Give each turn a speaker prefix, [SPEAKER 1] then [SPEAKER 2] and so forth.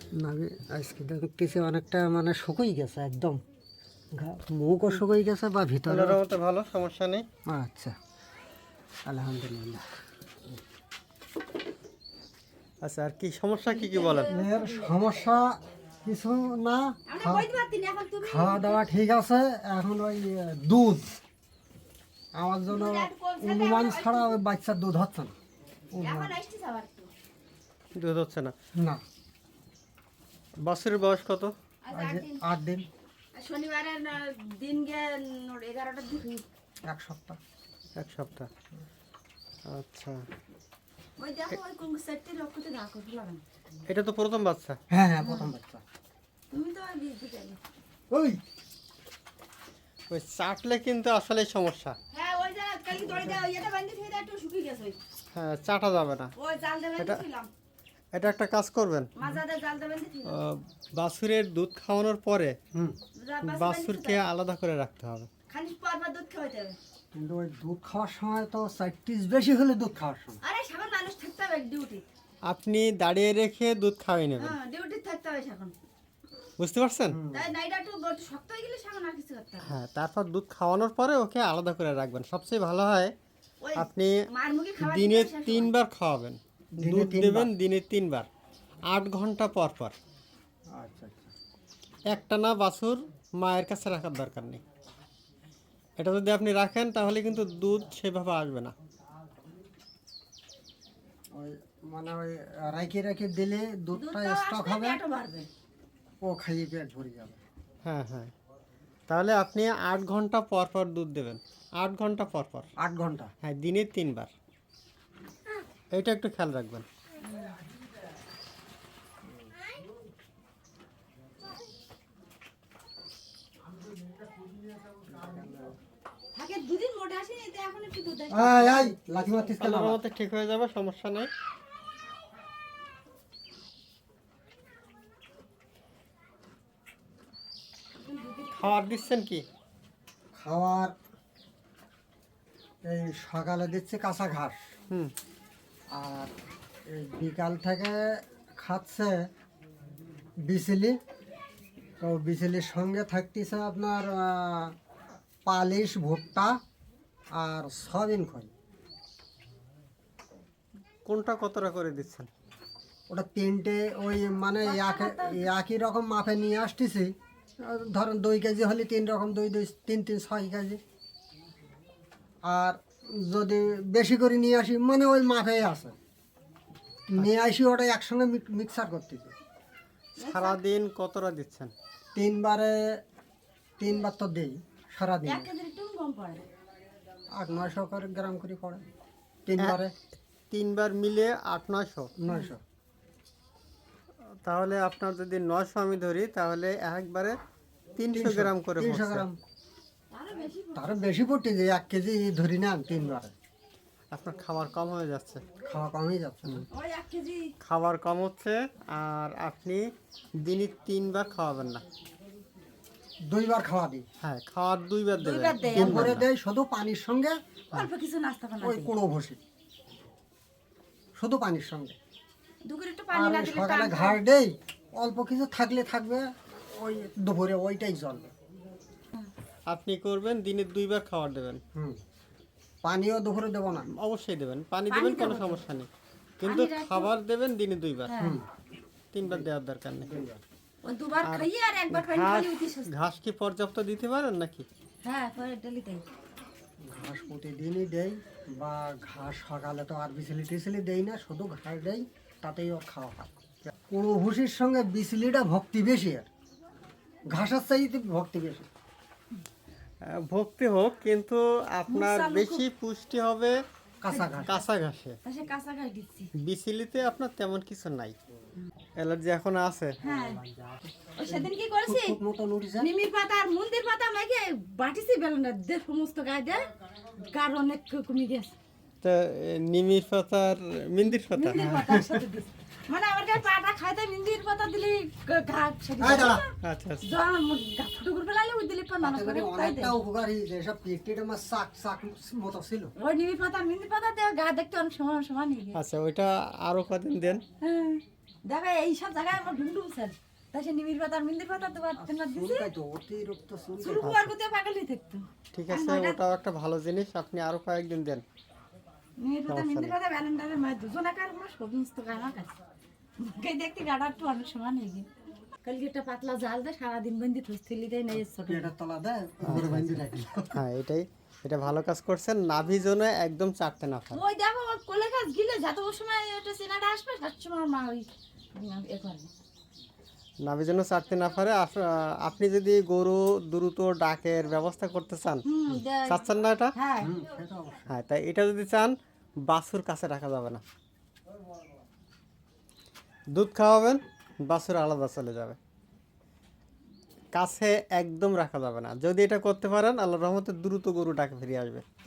[SPEAKER 1] নাভি আজকে দেখতেছি অনেকটা মানে শুকিয়ে গেছে একদম, মুখও শুকিয়ে গেছে বা ভিতরে।
[SPEAKER 2] আল্লাহর রহমতে ভালো, সমস্যা নেই।
[SPEAKER 1] আচ্ছা, আলহামদুলিল্লাহ।
[SPEAKER 2] আচ্ছা, আর কি সমস্যা কি কি বলেন?
[SPEAKER 1] এর সমস্যা কিছু না, খাওয়া দাওয়া ঠিক আছে। এখন ওই দুধ আমার জন্য অনুমান ছাড়া ওই বাচ্চার দুধ হচ্ছে না, অনুমান।
[SPEAKER 2] দুধ হচ্ছে না?
[SPEAKER 1] না,
[SPEAKER 2] বাছুরের বয়স কত?
[SPEAKER 1] আজ 8 দিন,
[SPEAKER 3] শনিবারের দিন গিয়ে 11টার দিকে
[SPEAKER 1] 1 সপ্তাহ।
[SPEAKER 2] 1 সপ্তাহ। আচ্ছা,
[SPEAKER 3] ওই দেখো ওই কোন সেটটি লক্ষ্যতে রাখো দিলাম।
[SPEAKER 2] এটা তো প্রথম বাচ্চা।
[SPEAKER 1] হ্যাঁ হ্যাঁ, প্রথম বাচ্চা।
[SPEAKER 3] তুমি তো আর বিয়ে দিতে গেলে।
[SPEAKER 1] ওই
[SPEAKER 2] ওই চাটলে কিন্তু আসলে সমস্যা।
[SPEAKER 3] হ্যাঁ ওই যে কালকে দড়ি দাও এটা বান্ধি থেকে একটু শুকিয়ে গেছে ওই।
[SPEAKER 2] হ্যাঁ, চাটা যাবে না।
[SPEAKER 3] ওই জাল দেবেন দিলাম।
[SPEAKER 2] এটা একটা কাজ করবেন,
[SPEAKER 3] মাজাতে জাল দেবেন দিলাম।
[SPEAKER 2] বাছুরের দুধ খাওয়ানোর পরে
[SPEAKER 1] হুম,
[SPEAKER 2] বাছুরকে আলাদা করে রাখতে হবে।
[SPEAKER 3] খালি পরপর দুধ খাওয়াতে হবে।
[SPEAKER 1] কিন্তু ওই দুধ খাওয়ার সময় তো 4 বেশি হলে দুধ খাওয়ার সময়।
[SPEAKER 3] আরে সাগর মানুষ থাকতে হবে ডিউটি।
[SPEAKER 2] আপনি দাঁড়িয়ে রেখে দুধ খাওয়াই নেবেন,
[SPEAKER 3] হ্যাঁ ডিউটি থাকতে হবে এখন।
[SPEAKER 2] বুঝতে পারছেন?
[SPEAKER 3] তাই নাইটা একটু শক্ত হয়ে গেলে সাগর আর কিছু করতে হবে।
[SPEAKER 2] হ্যাঁ, তারপর দুধ খাওয়ানোর পরে ওকে আলাদা করে রাখবেন। সবচেয়ে ভালো হয়
[SPEAKER 3] ওই
[SPEAKER 2] আপনি
[SPEAKER 3] মার মুখে খাবার
[SPEAKER 2] দিনে
[SPEAKER 3] দিতে হবে
[SPEAKER 2] 3 বার খাওয়াবেন।
[SPEAKER 1] দিনে
[SPEAKER 2] দুধ
[SPEAKER 1] 3
[SPEAKER 2] দেবেন
[SPEAKER 1] বার?
[SPEAKER 2] দিনে 3 বার, 8 ঘন্টা পর পর।
[SPEAKER 1] আচ্ছা আচ্ছা।
[SPEAKER 2] একটানা বাছুর মায়ের কাছে রাখার দরকার নেই। এটা যদি আপনি রাখেন তাহলে কিন্তু দুধ সেভাবে আসবে না।
[SPEAKER 1] ওই মানে ওই রাখি রাখি দিলে দুধটা
[SPEAKER 3] দুধটাও
[SPEAKER 1] স্টক
[SPEAKER 3] আসবে
[SPEAKER 1] হবে,
[SPEAKER 3] পেটও বাড়বে।
[SPEAKER 1] ও খাইয়ে পেট ভরে যাবে।
[SPEAKER 2] হ্যাঁ হ্যাঁ, তাহলে আপনি 8 ঘন্টা পর পর দুধ দেবেন, 8 ঘন্টা পর পর।
[SPEAKER 1] 8 ঘন্টা?
[SPEAKER 2] হ্যাঁ, দিনে 3 বার। এটা একটু খেয়াল রাখবেন।
[SPEAKER 3] আগে দুদিন মোটা আসেনি তো এখন একটু দুধ আসে।
[SPEAKER 1] এই এই লাঠি মারতিস কেন?
[SPEAKER 2] আল্লাহর রহমতে ঠিক হয়ে যাবে, সমস্যা নেই। খাবার দিচ্ছেন কি?
[SPEAKER 1] খাওয়ার এই সকালে দিচ্ছে কাঁচা ঘাস,
[SPEAKER 2] হুম,
[SPEAKER 1] আর এই বিকাল থেকে খাচ্ছে বিচেলি। তো বিচেলির সঙ্গে থাকতেছে আপনার পালিশ, ভুট্টা আর সয়াবিন খই।
[SPEAKER 2] কোনটা কতটা করে দিচ্ছেন?
[SPEAKER 1] ওটা 3টে ওই মানে একই রকম মাপে নিয়ে আসতেছি। ধরেন 2 কেজি হলে 3 রকম, 2 2 3 3 6 কেজি। আর যদি বেশি করে নিয়ে আসি মানে ওই মাপেই আছে, নিয়ে আসি ওটা একসঙ্গে মিক্সার করতেছি।
[SPEAKER 2] সারাদিন কতটা দিচ্ছেন?
[SPEAKER 1] 3 বার তো দিই সারাদিন।
[SPEAKER 3] 1 কেজির একটু কম পড়ে।
[SPEAKER 1] 800-900 করে গ্রাম করে পড়ে 3 বারে।
[SPEAKER 2] 3 বার মিলে 800-900।
[SPEAKER 1] 900।
[SPEAKER 2] তাহলে আপনার যদি 900 আমি ধরি তাহলে একবারে 300 গ্রাম করে
[SPEAKER 1] 300
[SPEAKER 2] পড়ছে।
[SPEAKER 1] গ্রাম,
[SPEAKER 3] আরো বেশি
[SPEAKER 1] তারও বেশি পড়তে যে 1 কেজি ধরি না 3 বারে।
[SPEAKER 2] আপনার খাবার কম হয়ে যাচ্ছে।
[SPEAKER 1] খাওয়া কমই যাচ্ছে না।
[SPEAKER 3] ওই 1 কেজি
[SPEAKER 2] খাবার কম হচ্ছে, আর আপনি দিনে 3 বার খাওয়াবেন না।
[SPEAKER 1] 2 বার খাওয়া দিই।
[SPEAKER 2] হ্যাঁ, খাওয়ার 2 বার দেবেন।
[SPEAKER 3] বার দেয়।
[SPEAKER 1] দুপুরে দেয় শুধু পানির সঙ্গে,
[SPEAKER 3] অল্প কিছু নাস্তা বানাতে।
[SPEAKER 1] ওই কুড়ো ভসি শুধু পানির সঙ্গে।
[SPEAKER 3] দুপুরে একটু পানি
[SPEAKER 1] আর
[SPEAKER 3] না
[SPEAKER 1] ওই
[SPEAKER 3] দিলে
[SPEAKER 1] সকালে
[SPEAKER 3] টান
[SPEAKER 1] ঘাস দেই, অল্প কিছু থাকলে থাকবে, ওই দুপুরে ওইটাই চলবে।
[SPEAKER 2] আপনি করবেন দিনে 2 বার খাবার দেবেন।
[SPEAKER 1] হুম, পানিও দুপুরে দেবো না।
[SPEAKER 2] অবশ্যই দেবেন, পানি দেবেন, কোনো সমস্যা নেই, কিন্তু খাবার দেবেন দিনে 2 বার।
[SPEAKER 3] হ্যাঁ।
[SPEAKER 2] 3 বার দেওয়ার দরকার নেই।
[SPEAKER 3] ওই দুবার খাইয়ে আর একবার পানি
[SPEAKER 2] ঘাস
[SPEAKER 3] খালি উঠি সুস্থ।
[SPEAKER 2] ঘাস কি পর্যাপ্ত দিতে পারেন নাকি?
[SPEAKER 3] হ্যাঁ পরে ডেলি তাই।
[SPEAKER 1] ঘাস প্রতিদিনই দেই, বা ঘাস সকালে তো আর বিচলি টিচলি দেই না, শুধু ঘাস দেই, তাতেই ওর খাওয়া হয়। কুড়ো ভুসির সঙ্গে বিচলিটা ভক্তি বেশি, আর ঘাসের চাইতে ভক্তি বেশি।
[SPEAKER 2] ভক্তি হোক, কিন্তু আপনার
[SPEAKER 3] মুসা মুখো-
[SPEAKER 2] বেশি পুষ্টি হবে
[SPEAKER 1] কাঁচা ঘাস।
[SPEAKER 2] কাঁচা ঘাসে।
[SPEAKER 3] তা সে কাঁচা ঘাস দিচ্ছি।
[SPEAKER 2] বিচিলিতে আপনার তেমন কিছু নাই। অ্যালার্জি এখন আছে।
[SPEAKER 3] হ্যাঁ ওই সেদিন কি করেছি
[SPEAKER 1] খুব মতন উঠেছে।
[SPEAKER 3] নিমির পাতা আর মন্দির পাতা মেখে বাটিছি বেলনা দে সমস্ত গায়ে দে কার অনেক কমে গেছে।
[SPEAKER 2] তা নিমির পাতার মিন্দির পাতা।
[SPEAKER 3] মন্দির পাতার সাথে দিছি। মানে আমার গায়ে পাটা খাইতে মন্দির পাতা দিলি ঘা সেদিন
[SPEAKER 1] এই দাঁড়া।
[SPEAKER 2] আচ্ছা আচ্ছা।
[SPEAKER 3] যখন ফুটো করে ফেলালে ওই দিলি পর মানুষ করে তাই দে।
[SPEAKER 1] অনেকটা উপকার হয়েছে, সব পেটটা আমার শাক শাক মতো ছিল।
[SPEAKER 3] ওই নিমির পাতা মন্দির পাতা দে গা দেখতে অনেক সমান সমান হয়ে গেছে।
[SPEAKER 2] আচ্ছা, ওইটা আরো কদিন দেন।
[SPEAKER 3] হ্যাঁ দেখো এইসব জায়গায় আমার ঢুন্ডু স্যার তাই সে নিমির পাতা মিন্দির পাতা তো তোমার দিছে
[SPEAKER 1] চুলকাই তো অতিরিক্ত চুলকাই।
[SPEAKER 3] শুরু হওয়ার করতে পাগলই থাকতো
[SPEAKER 2] ঠিক আছে, ওটাও একটা ভালো জিনিস, আপনি আরো কয়েকদিন দেন।
[SPEAKER 3] নিমির পাতা মিন্দির পাতা ব্যালেন্ডারের মায়ের দুজনাকার কোনো সমস্ত গানা কাছে মুখে দেখতে গাড়া একটু অনেক সময় নেই গিয়ে কালকে একটা পাতলা জাল দেয় সারাদিন বন্দি থলি দেয় না ছোট
[SPEAKER 1] পেটের তলা দেয় উপরে বাঁধি রাখি।
[SPEAKER 2] হ্যাঁ, এটা ভালো কাজ করছেন। নাভি জোনে একদম চাটতে না পারে।
[SPEAKER 3] ওই দেখো ওর কোলে গাছ গিলে যত ওই সময় একটা চেনাটা আসবে তার সময় ওর মা ওই এ করে
[SPEAKER 2] নাভি জন্য চাটতে না পারে। আপনি যদি গরু দ্রুত ডাকের ব্যবস্থা করতে চান,
[SPEAKER 3] দেয়।
[SPEAKER 2] চাচ্ছেন না এটা?
[SPEAKER 3] হ্যাঁ
[SPEAKER 1] সেটা অবশ্যই।
[SPEAKER 2] হ্যাঁ, তাই এটা যদি চান, বাছুর কাছে রাখা যাবে না। দুধ খাওয়াবেন, বাছুর আলাদা চলে যাবে, কাছে একদম রাখা যাবে না। যদি এটা করতে পারেন, আল্লাহর রহমতে দ্রুত গরু ডাকে ফিরে আসবে।